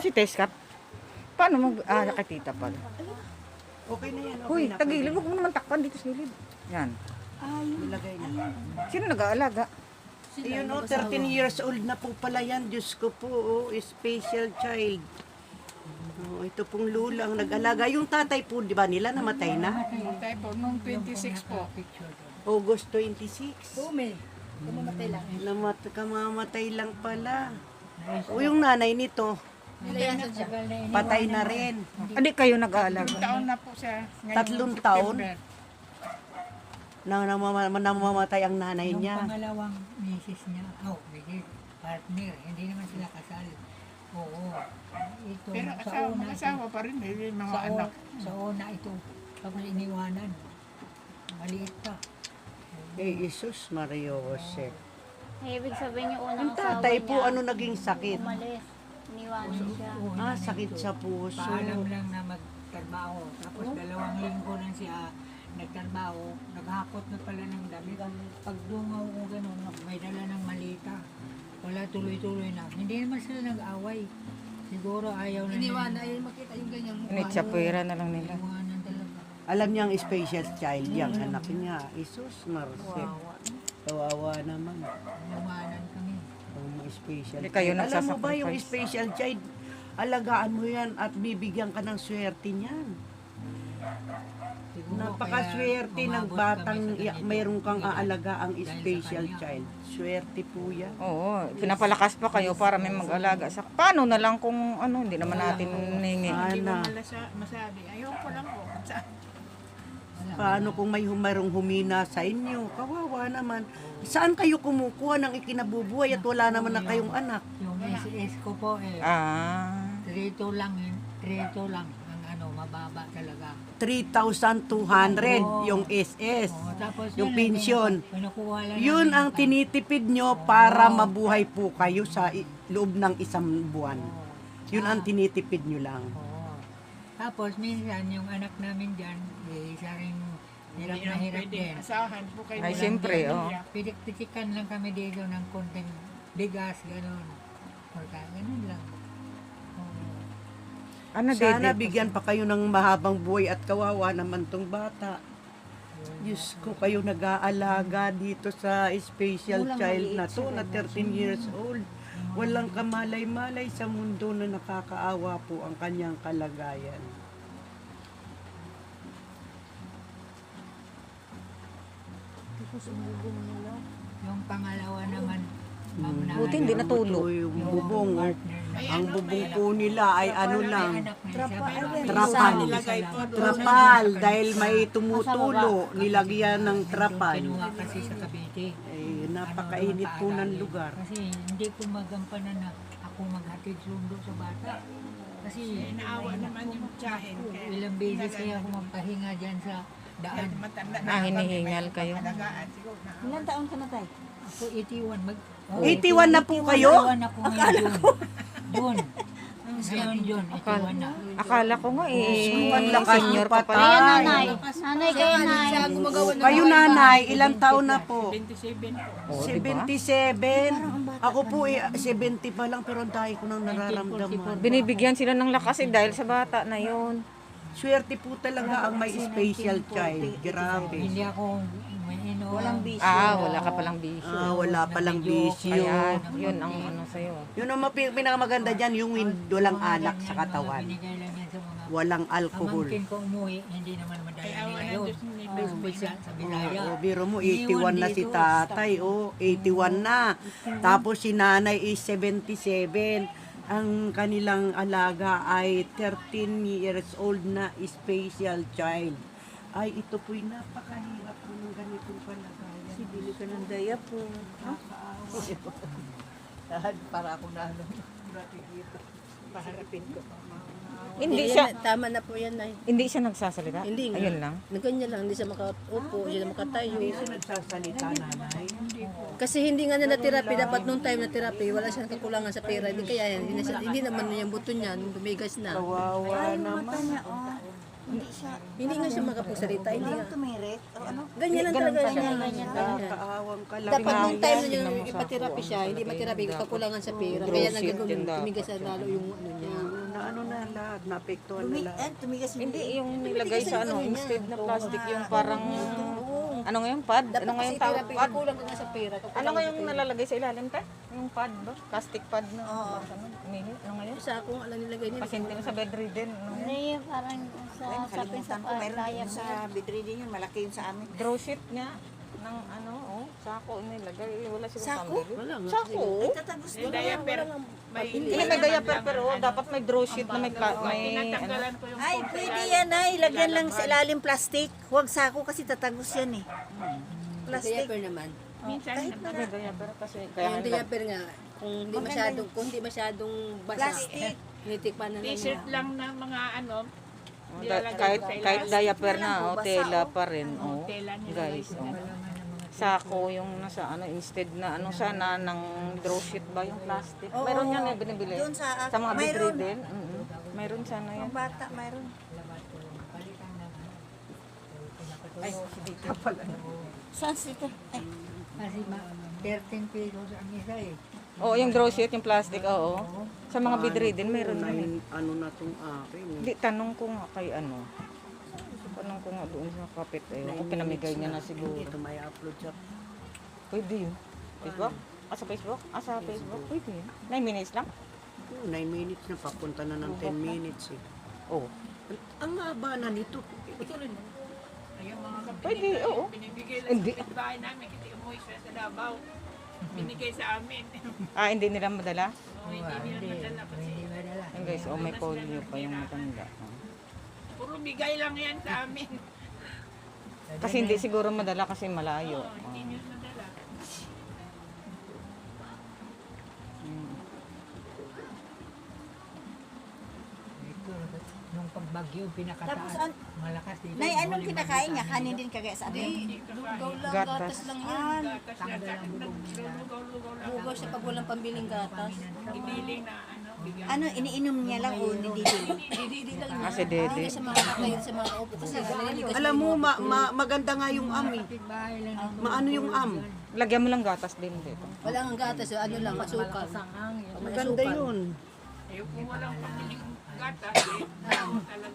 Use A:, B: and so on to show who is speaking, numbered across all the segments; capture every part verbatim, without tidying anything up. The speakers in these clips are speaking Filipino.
A: si Teskap? Paano mag... Ah, nakatita pala.
B: Okay na yan. Okay
A: Huy,
B: na.
A: tagilid. Huwag mo naman takpan dito sa gilid. Yan.
B: Ilagay na.
A: Sino nag-aalaga?
B: Ayun o, thirteen years old na po pala yan. Diyos ko po, oh, special child. Oh, ito pong lulang nag-alaga. Yung tatay po, di ba nila, namatay na?
C: Tayo po, nung twenty-six po.
B: August twenty-six.
D: Bumi. Kamamatay lang.
B: Namat kamamatay lang pala. O yung nanay nito,
D: Nilayasan siya.
B: patay na rin.
A: Hindi kayo nag-aalaga.
C: Taon na po siya. Ngayong
B: Tatlong taon?
C: September.
B: Na namama- namamatay ang nanay
E: Yung
B: niya.
E: pangalawang misis niya, oh, misis, partner, hindi naman sila kasal. Oo. Ito,
C: Pero
E: sa
C: asawa,
E: una,
C: mag-asawa pa rin, may may mga
E: sa,
C: anak.
E: una, sa una ito, tapos iniwanan. Maliit pa.
B: Eh, Jesus Mario Jose.
F: Eh, ibig sabihin yung
B: Ang
F: unang
B: tatay
F: asawa
B: po,
F: niya,
B: ano naging sakit?
F: umalis. Iniwanan siya.
E: Oo,
B: Ah,
E: yun
B: sakit
E: ito.
B: sa puso.
E: Paalam lang na magtrabaho. Tapos dalawang linggo lang siya nagtrabaho. Naghakot na pala ng damit. Pag dungaw ko gano'n, may dala ng malita. Wala tuloy-tuloy na. Hindi naman sila nag-away. Siguro ayaw na
D: Iniwan na,
E: nila.
D: ayun makita yung ganyang mukha.
A: Initsapwera na lang nila.
E: Iwanan talaga.
B: Alam niya ang special child yang anak niya. Jesus Marce. Kawawa naman.
E: Iwanan kami.
B: Ang special
A: Hindi kayo
B: child. Alam mo ba yung
A: nagsasacrifice?
B: special child? Alagaan mo yan at bibigyan ka ng swerte niyan.
E: Siguro
B: Napakaswerte
E: kaya
B: ng
E: umabot
B: batang
E: kami sa
B: ya-
E: ganito.
B: mayroon kang
E: Dahil-
B: aalaga ang
E: dahil sa
B: special
E: kanya.
B: child. Swerte po yan.
A: Oo, pinapalakas pa kayo para may mag-alaga sa... Paano na lang kung ano, hindi naman natin hiningi.
C: Hindi mo
B: Ana.
C: malasa, masabi. Ayaw ko lang po. Sa-
B: Paano kung may humarong humina sa inyo? Kawawa naman. Saan kayo kumukuha ng ikinabubuhay at wala naman na kayong anak?
E: Yung S S ko po eh,
A: Ah,
E: trito lang yun. Trito lang. Ang ano, mababa talaga.
B: three thousand two hundred yung S S.
E: Oo, tapos
B: Yung
E: yun,
B: pensyon.
E: Pinukuha lang
B: Yun
E: namin
B: ang
E: yung-
B: tinitipid nyo para mabuhay po kayo sa i- loob ng isang buwan. Yun ang tinitipid nyo lang.
E: Oo. Tapos minsan yung anak namin dyan, eh, isa rin hirap
C: Hindi
E: na
C: lang
E: hirap
C: pwede.
E: din.
C: Asahan po kayo.
A: Ay,
C: walang
A: siyempre,
C: pamilya.
A: oh.
E: Pitik-pitikan lang kami dito ng konting bigas, gano'n. Or ka- Ganun lang. Oo.
A: ano
B: Sana
A: Dede?
B: bigyan pa kayo ng mahabang buhay at kawawa naman tong bata. Diyos ko, kayo nag-aalaga dito sa special child na to na thirteen years old. Walang kamalay-malay sa mundo na nakakaawa po ang kanyang kalagayan.
E: Yung pangalawa naman, ma'am na
A: Buti hindi natulog.
B: Ito yung bubong. oh.
C: Ay,
B: Ang
C: ano,
B: bubong
C: may
B: po nila ay ano lang.
E: Trapal.
B: Trapal.
C: nilagay po doon.
B: Trapal dahil may tumutulo. Nilagyan ng trapal.
E: Kinuha kasi sa Cavite.
B: Eh, napakainit po ng lugar.
E: Kasi hindi ko magampanan na ako maghatid sundo sa bata. Kasi
C: Eh, naawa naman yung tiyahin. Kaya
E: ilang beses kaya ako magpahinga dyan sa daan.
C: matanda na.
A: Ah, hinihingal kayo.
C: Alagaan, siguro na.
D: Ilan taon ka na tayo?
E: Ako eighty-one. Mag, oh,
B: eighty-one na po kayo?
E: eighty-one ako ngayon June. June. Ngayon June, eighty-one na.
A: Akala ko nga eh,
B: ang lakas
A: senior
B: niyo
A: ka
B: pa,
A: pala.
F: Ayan,
B: Tay.
F: nanay. Nanay kayo, nay.
D: Siya gumagawa ng
B: Kayo nanay, ilang taon na po?
C: twenty-seven po.
A: Oh, diba?
B: seventy-seven. Ako po eh, seventy pa lang pero ang dahil ko nang nararamdaman.
A: Binibigyan sila ng lakas eh dahil sa bata na yun.
B: Swerte po talaga ang may special child. Grabe.
E: Hindi ako may ino. Walang bisyo.
A: Ah, wala ka palang bisyo.
B: Ah, wala palang bisyo.
A: Kaya yun ang ano sa'yo.
B: Yun ang mapi- pinakamaganda dyan, yung win- walang alak sa katawan.
E: Binigay lang yan sa mga
B: Walang alcohol.
E: pamangkin ko umuwi, hindi naman madala
C: Kaya
E: nila
C: wala
E: yun.
C: Diyos ni
E: Oh,
C: Bes
E: bisa sa Bilaya.
B: Oh, biro mo, eighty-one na si tatay. Oh, eighty-one na. Tapos si nanay is seventy-seven. Ang kanilang alaga ay thirteen years old na special child. Ay, ito po'y napakahirap po ng ganitong kalagayan.
D: Bili ka ng daya po.
B: Dahil para ako na ano, dito.
C: Paharapin ko.
A: Hindi
D: Yan
A: siya,
D: na, tama na po yan, nay.
A: hindi siya nagsasalita?
D: Hindi nga.
A: Ayun lang.
D: Ganyan lang, hindi siya makaupo, hindi siya makatayo.
B: Hindi siya nagsasalita, nanay.
D: Kasi hindi nga na na-therapy, dapat nung time na therapy, wala siyang kakulangan sa pera. Hindi kaya yan, hindi, na siya, hindi naman yung buto niya, tumigas na.
B: Kawawa naman.
D: Hindi nga siya makapagsalita, hindi nga.
G: Tumirit? O ano?
D: Ganyan lang talaga siya.
B: Nakakaawang kalagayan.
D: Dapat nung time na niya
A: Tingnan mo sa
D: ipatherapy siya, hindi matherapy, kakulangan sa pera. Kaya nagagawin, tumigas na lalo yung ano niya.
B: ano na lahat, naapektuhan na lahat.
C: tumigas
A: Hindi, yung nilagay sa ano, instead na plastic, yung parang, ano nga yung pad? Ano nga yung tawag
D: therapy,
A: pad?
D: kulang ka nga sa pera.
A: Ano nga yung nalalagay sa ilalim, te? Yung pad ba? Plastic pad na. Oo. Ano, umihi? Ano nga yun?
D: Sa akong alam nilagay niya.
A: Pasyente na sa bedridden. Ano nga yun?
F: Ano yung parang sa sapin sa pagdaya
C: sa bedridden yun, malaki yun sa amin.
A: Draw sheet niya ng ano, oh, sako nilagay. Wala siguro pambili.
B: Wala nga.
A: Sako?
C: Tatagos ko na yan, pero may
A: Hindi, may diaper pero oh, dapat may draw sheet na may, pla- may ano.
C: Ay, pwede yan ay, ilagyan lang sa ilalim plastic. Huwag sako kasi tatagos yan eh. Plastic.
D: Diaper naman.
C: Kahit na
A: May diaper kasi. Kaya
D: Yung
A: nga,
D: diaper nga, kung hindi masyadong, kung hindi masyadong basa.
C: Plastic.
D: Tinitikpan na lang.
C: T-shirt lang na mga ano,
A: oh, da- kahit, kahit diaper na, oh, tela pa rin. Oh, guys, oh. Sako yung nasa ano, instead na ano sana ng draw sheet ba yung plastic. Meron yan eh, binibili.
C: Doon sa-
A: Sa mga
C: mayroon.
A: bedridden. Mm-hmm. Mayroon sana yan.
C: Ang bata, mayroon.
A: Ay, si Dita pala.
C: Saan sito? Ay,
E: Kasi ma- thirteen pesos ang isa eh.
A: Oo, yung draw sheet, yung plastic, oo. Sa mga bedridden, meron na eh.
B: Nine, ano na itong akin. eh.
A: Hindi, tanong ko nga kay ano. Tanong ko nga doon sa kapit. Eh, kung pinamigay niya na siguro.
B: Ito may upload sa
A: Pwede yun. Facebook? Ah, sa Facebook? Ah, sa Facebook? Pwede yun. Nine minutes lang?
B: nine minutes na, papunta na ng ten minutes eh.
A: Oo.
B: Ang haba na nito.
A: Pwede, oo. Hindi.
C: bahay namin, kasi umuwi siya sa Davao. Binigay sa amin.
A: Ah, hindi nila madala?
E: Hindi, hindi madala.
A: Ayun guys, oh, may polio pa yung matanda. Oh.
C: Puro bigay lang yan sa amin.
A: Kasi hindi siguro madala kasi malayo. Oh.
C: Hindi nyo madala.
E: Ito, nung pagbagyo, pinakataas.
C: Tapos an-
E: malakas dito.
C: Nay, anong kinakain niya? Kanin din kagaya sa amin.
D: Lugaw lang,
A: Gatas.
D: gatas lang yan.
E: Tanggal ang bubong nila.
D: Lugaw siya pag walang pambiling gatas.
C: Ibiling na ano, bigay.
G: Ano, iniinom niya lang o nididili?
D: Didi lang
A: Ah,
D: yan.
A: si Dede.
D: Hindi sa mga kakain sa mga upo kasi naliligas
B: Alam mo, ma, ma- maganda nga yung am eh.
E: Bahay lang ito.
B: Maano yung am.
A: Lagyan mo lang gatas din dito.
D: Wala ang gatas, ano lang, masukal.
E: Ang hangin.
D: May
B: Maganda
D: asukal.
B: yun.
C: Eh, kung walang pamiling gatas, eh, talaga.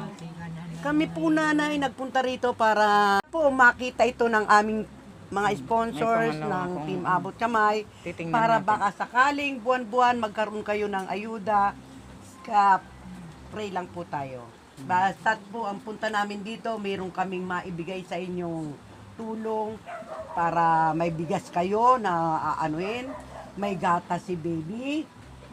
B: Kami po nanay nagpunta rito para po makita ito ng aming mga sponsors
A: May pangalawa
B: ng
A: akong-
B: Team Abot Kamay
A: Titingnan
B: para
A: natin.
B: baka sakaling buwan-buwan magkaroon kayo ng ayuda. Ka pray lang po tayo. Basta't po ang punta namin dito, mayroon kaming maibigay sa inyong tulong para may bigas kayo na aanuin, may gatas si baby,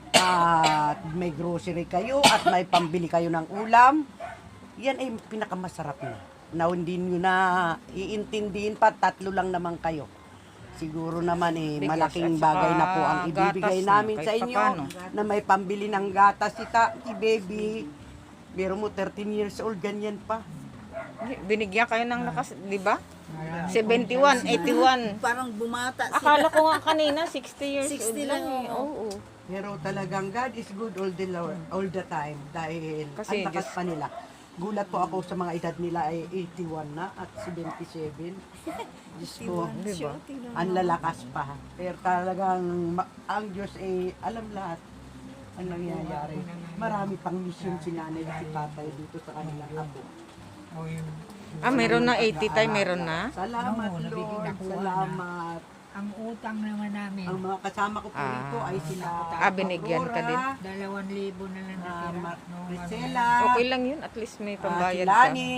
B: at may grocery kayo at may pambili kayo ng ulam. Yan ay pinakamasarap na. Na hindi nyo na iintindihin pa, tatlo lang naman kayo. Siguro naman eh,
A: Bigas
B: malaking
A: at saka
B: bagay na po ang ibibigay
A: gatas na,
B: namin
A: kahit
B: sa inyo
A: papano.
B: na may pambili ng gatas si, ta, si baby. Pero mo thirteen years old, ganyan pa.
A: Binigyan kayo ng lakas, di ba? seventy-one, eighty-one.
G: Parang bumata sila.
A: Akala ko nga kanina, sixty years
G: sixty
A: old lang
G: lang,
A: eh. Oo.
B: Pero talagang God is good all the, all the time dahil
A: Kasi
B: ang lakas
A: Diyos-
B: pa nila. Gulat po ako sa mga edad nila ay eighty-one na at seventy-seven. Diyos ko,
A: Di ba?
B: ang lalakas pa. Pero talagang ma- ang Diyos ay alam lahat ang nangyayari. Marami pang mission si nanay at si tatay dito sa kanilang apo.
E: O yung,
A: Ah, meron na eighty tayo, meron na?
B: Salamat
E: Oo, nabigyan
B: Lord,
E: ako na.
B: salamat.
E: ang utang naman namin,
B: Ang mga kasama ko po
A: Ah.
B: rito ay sila
A: Ah, binigyan ka din?
B: Aurora,
E: dalawang libo na lang
B: ah,
E: natira.
B: Ma-
E: Nung ano,
B: Priscilla,
A: Okay lang yun, at least may
B: ah, si
A: pambayad ka.
B: Lani,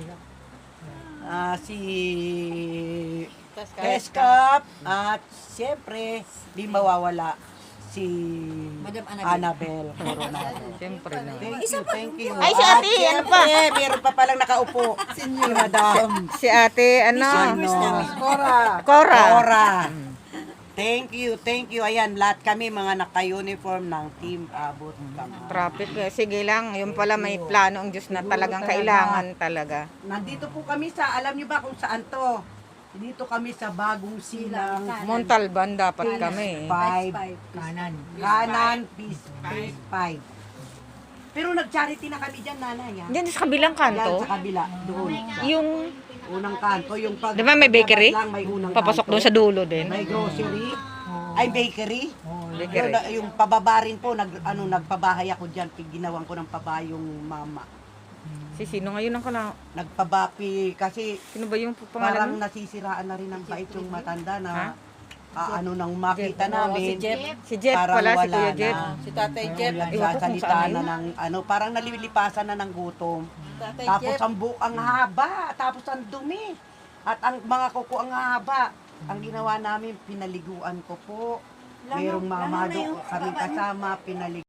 B: ah, si
A: Tas kahit-
B: Keskap, at siyempre, di mawawala si
G: Madam Annabel.
B: Annabel Coronado.
A: Siyempre na.
B: Thank you, thank you.
A: Ay, si ate,
B: At
A: ano pa?
B: siyempre, meron pa palang nakaupo. si Madam.
A: Si ate, ano?
B: Ano? Cora.
A: Cora.
B: Cora. Thank you, thank you. Ayan, lahat kami mga naka-uniform ng Team Abot Kamay.
A: Traffic. eh. Sige lang, yung pala may plano ang Diyos na talagang kailangan talaga.
B: Nandito po kami sa, alam niyo ba kung saan to? Dito kami sa Bagong Silang
A: Montalban dapat kami.
B: five,
E: kanan.
B: kanan, Peace five. Pero nag-charity na kami dyan, nanay. Ha?
A: Diyan sa kabilang
B: Yan
A: kanto,
B: sa kabila, doon.
A: yung,
B: Unang kanto, yung pag...
A: di ba may bakery?
B: Lang, may unang
A: Papasok
B: kanto.
A: doon sa dulo din.
B: May grocery, ay bakery.
E: Oo,
A: Bakery.
B: Yun, yung pababa rin po, nag, ano, nagpabahay ako dyan, ginawan ko ng paba yung mama.
A: Si sino ngayon ang kala?
B: Nagpabapi, kasi
A: Sino ba yung
B: parang
A: pangalan mo?
B: nasisiraan na rin ng bait yung matanda na
A: Ha?
B: ah, ano nang makita namin.
A: Si Jeff
B: parang
A: pala, si
B: wala
A: Kuya
B: na.
A: Jeff.
D: Si Tatay Jeff.
A: Ewan ko kung
B: Nagsasalita
A: saan
B: na
A: yun.
B: ng ano, parang nalilipasan na ng gutom.
D: Tatay
B: Tapos
D: Jeff.
B: ang bu ang haba, tapos ang dumi. At ang mga kuko ang haba. Ang ginawa namin, pinaliguan ko po. Mayroong
C: lalo
B: mamado
C: na yung
B: kami
C: baba niya.
B: kasama, pinalig